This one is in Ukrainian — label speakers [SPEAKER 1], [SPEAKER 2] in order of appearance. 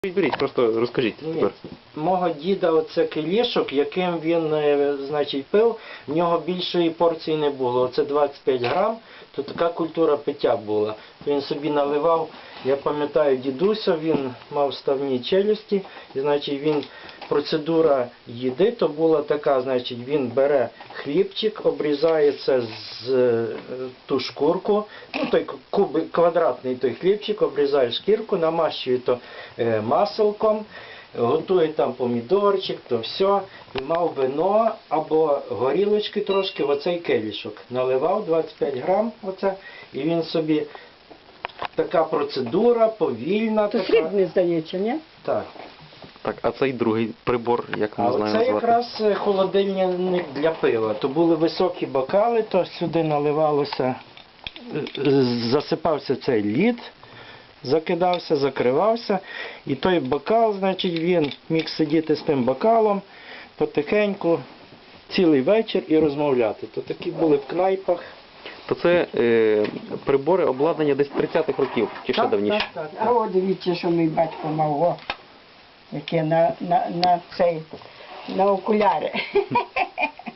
[SPEAKER 1] Беріть, просто розкажіть тепер.
[SPEAKER 2] Мого діда оце келішок, яким він, значить, пив, в нього більшої порції не було. Оце 25 грам, то така культура пиття була. Він собі наливав, я пам'ятаю дідуся, він мав ставні челюсті, і, значить, він, процедура їди, то була така, значить, він бере хлібчик, обрізає це з ту шкурку, ну, той квадратний той хлібчик, обрізає шкірку, намащує то маселком, готує там помідорчик, то все, і мав вино або горілочки трошки в оцей келішок. Наливав 25 грам, оце, і він собі, така процедура, повільна.
[SPEAKER 3] То
[SPEAKER 2] така.
[SPEAKER 3] срібний, здається, ні?
[SPEAKER 2] Так.
[SPEAKER 1] Так, а цей другий прибор, як ми
[SPEAKER 2] А
[SPEAKER 1] знаємо
[SPEAKER 2] це
[SPEAKER 1] звати?
[SPEAKER 2] якраз холодильник для пива. То були високі бокали, то сюди наливалося, засипався цей лід, закидався, закривався. І той бокал, значить, він міг сидіти з тим бокалом потихеньку цілий вечір і розмовляти. То такі були в кнайпах.
[SPEAKER 1] То це прибори обладнання десь 30-х років, чи ще давніше?
[SPEAKER 2] Так.
[SPEAKER 3] А от дивіться, що мій батько мав, о, яке на окуляри.